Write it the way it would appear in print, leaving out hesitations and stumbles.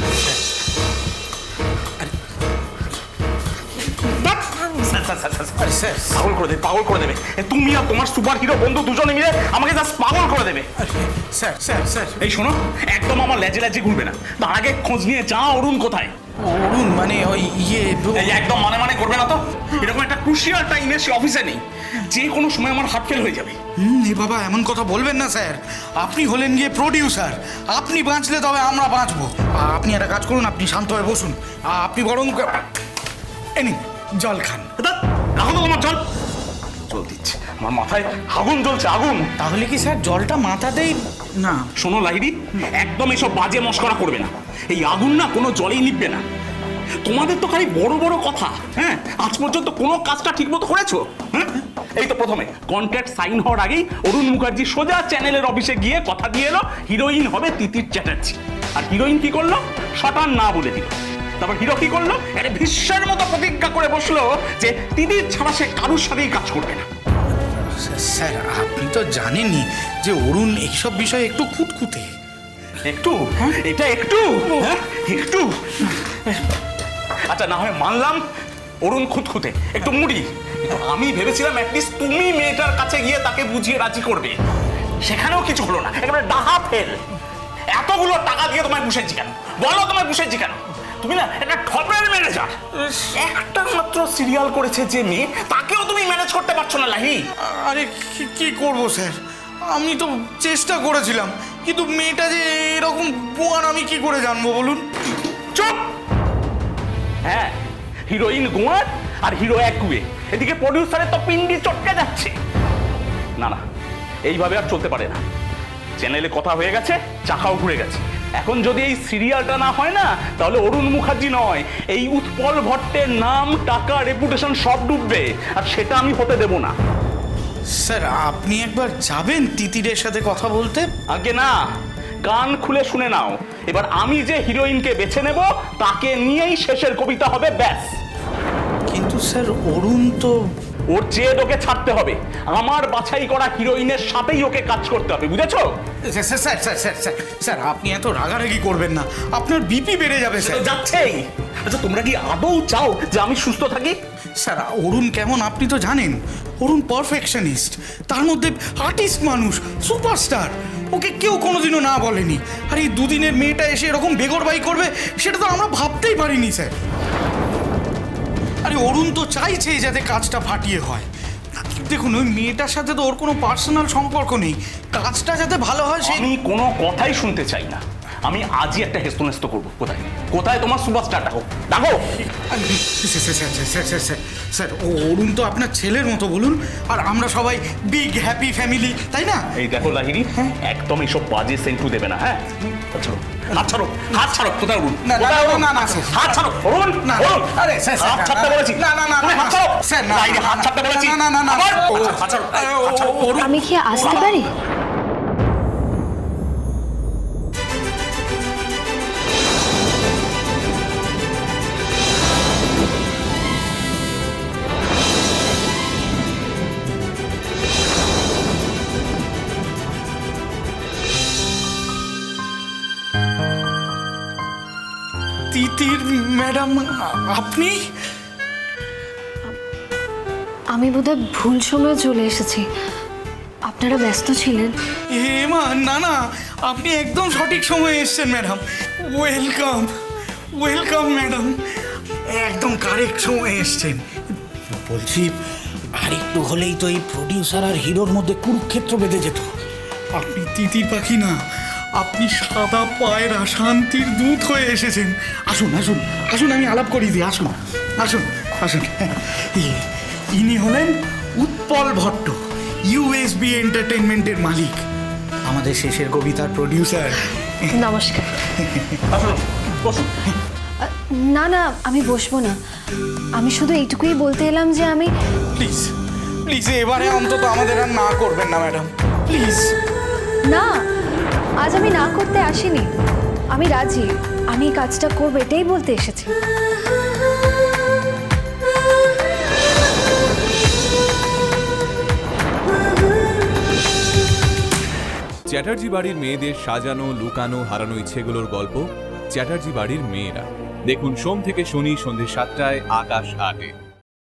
পাগল করে দেবে তুমি আর তোমার সুপার হিরো বন্ধু দুজনে মিলে আমাকে জাস্ট পাগল করে দেবে। স্যার স্যার স্যার এই শোনো, একদম আমার লেজে লেজে ঘুরবে না, তার আগে খোঁজ নিয়ে যা অরুণ কোথায়। অরুণ মানে ওই একদম মানে করবে না তো। এরকম একটা ক্রুশিয়াল টাইমে সে অফিসে নেই, যে কোনো সময় আমার হার্ট ফেল হয়ে যাবে। এ বাবা এমন কথা বলবেন না স্যার, আপনি হলেন গিয়ে প্রডিউসার, আপনি বাঁচলে তবে আমরা বাঁচবো। আপনি একটা কাজ করুন, আপনি শান্ত হয়ে বসুন, আপনি বরং নিন জল খান। এখন তো তোমার জল দিচ্ছে, আমার মাথায় আগুন জ্বলছে, আগুন। তাহলে কি স্যার জলটা মাথাতেই না? শোনো লাহিড়ী, একদম এসব বাজে মস্করা করবে না, এই আগুন না কোনো জলেই নিববে না। তোমাদের তো খালি বড় বড় কথা, হ্যাঁ আজ পর্যন্ত কোনো কাজটা ঠিক মতো করেছো? হ্যাঁ এই তো প্রথমে কন্ট্রাক্ট সাইন হওয়ার আগেই অরুণ মুখার্জি সোজা চ্যানেলের অফিসে গিয়ে কথা দিয়ে এলো হিরোইন হবে তিতির চ্যাটার্জি। আর হিরোইন কি করলো? শটান না বলে দিল। তারপর হিরো কি করলো? একটা ভীষ্মের মতো প্রতিজ্ঞা করে বসলো যে তিতির ছাড়া সে কারুর সাথেই কাজ করবে না। স্যার আপনি তো জানেনই যে অরুণ এইসব বিষয়ে একটু খুঁতখুঁতে। একটু? এটা একটু? একটু? আচ্ছা না হয় মানলাম অরুণ খুঁতখুঁতে, একটু মুড়ি, কিন্তু আমি ভেবেছিলাম অ্যাটলিস্ট তুমি মেয়েটার কাছে গিয়ে তাকে বুঝিয়ে রাজি করবে। সেখানেও কিছু হলো না, একেবারে ডাহা ফেল। এতগুলো টাকা দিয়ে তোমায় বসেছি কেন বলো? তোমায় বসেছি কেন? তুমি না একটা ঠপের ম্যানেজার। একটা মাত্র সিরিয়াল করেছে যে মেয়ে, তাকেও তুমি ম্যানেজ করতে পারছো না লাহি। আরে কি করবো স্যার, আমি তো চেষ্টা করেছিলাম, কিন্তু মেয়েটা যে এরকম বোয়ার আমি কি করে জানবো বলুন? চুপ! হ্যাঁ, হিরোইন গোয়ার আর হিরো একগুয়ে, এদিকে প্রডিউসারের তো পিন্ডি চটকে যাচ্ছে। না না, এইভাবে আর চলতে পারে না। চ্যানেলে কথা হয়ে গেছে, চাকাও ঘুরে গেছে। এখন যদি এই সিরিয়ালটা না হয় না, তাহলে অরুণ মুখার্জি নয়, এই উৎপল ভট্টের নাম, টাকা, রেপুটেশন সব ডুববে, আর সেটা আমি হতে দেব না। স্যার আপনি একবার যাবেন তিতিরের সাথে কথা বলতে? আগে না, কান খুলে শুনে নাও, এবার আমি যে হিরোইনকে বেছে নেব তাকে নিয়েই শেষের কবিতা হবে, ব্যাস। কিন্তু স্যার অরুণ তো... ওর চেয়ে ওকে ছাড়তে হবে, আমার বাছাই করা হিরোইনের সাথেই ওকে কাজ করতে হবে, বুঝেছো? Sir sir sir sir sir sir আপনি এত রাগারাগি করবেন না, আপনার বিপি বেড়ে যাবে স্যার। যাচ্ছেই। আচ্ছা তোমরা কি আদৌ চাও যে আমি সুস্থ থাকি? স্যার অরুণ কেমন আপনি তো জানেন, অরুণ পারফেকশনিস্ট, তার মধ্যে আর্টিস্ট মানুষ, সুপারস্টার, ওকে কেউ কোনোদিনও না বলেনি। আর এই দুদিনের মেয়েটা এসে এরকম বেগরবাই করবে, সেটা তো আমরা ভাবতেই পারিনি স্যার। আরে অরুণ তো চাইছে যাতে কাজটা ফাটিয়ে হয়। দেখুন ওই মেয়েটার সাথে তো ওর কোনো পার্সোনাল সম্পর্ক নেই, কাজটা যাতে ভালো হয় সেই... আমি কোনো কথাই শুনতে চাই না, আমি আজই একটা হেস্তনেস্ত করবো। কোথায় কোথায় তোমার সুপারস্টার? ডাকো ডাকো। স্যার অরুণ তো আপনার ছেলের মতো বলুন, আর আমরা সবাই বিগ হ্যাপি ফ্যামিলি, তাই না? এই দেখো লাহিড়ী, একদম এইসব বাজে সেন্টু দেবে না, হ্যাঁ? হাত ছাড়ো, হাত ছাড়ো। কোথায় অরুণ? হাত ছাড়ো অরুণ, না আরে স্যার হাত ছাড়তে বলেছি। না না না হাত ছাড়ো স্যার, না হাত ছাড়তে বলেছি। না না না হাত ছাড়ো। আমি কি আসতে পারি? তিতির ম্যাডাম আপনি? আমি বোধহয় ভুল সময়ে চলে এসেছি, আপনারা ব্যস্ত ছিলেন। মা না না, আপনি একদম সঠিক সময়ে এসেছেন ম্যাডাম। ওয়েলকাম ওয়েলকাম ম্যাডাম, একদম কারেক্ট সময়ে এসেছেন। বলছি আর একটু হলেই তো এই প্রডিউসার আর হিরোর মধ্যে কুরুক্ষেত্র বেঁধে যেত। আপনি তিতির পাখি না, আপনি সাদা পায়রা, শান্তির দূত হয়ে এসেছেন। আসুন আসুন আসুন, আমি আলাপ করিয়ে দিই। আসুন আসুন আসুন। ইনি হলেন উৎপল ভট্ট, ইউএসবি এন্টারটেইনমেন্টের মালিক, আমাদের শেষের কবিতার প্রডিউসার। নমস্কার। আসুন বসুন। না না, আমি বসবো না, আমি শুধু এইটুকুই বলতে এলাম যে আমি... প্লিজ প্লিজ এবারে অন্তত আমাদের আর না করবেন না ম্যাডাম, প্লিজ। না, আজ আমি না করতে আসিনি, আমি রাজি, আমি এই কাজটা করবো, এটাই বলতে এসেছি। চ্যাটার্জি বাড়ির মেয়েদের সাজানো, লুকানো, হারানো ইচ্ছেগুলোর গল্প চ্যাটার্জি বাড়ির মেয়েরা। দেখুন সোম থেকে শনি সন্ধ্যে 7টায় আকাশ 8-এ।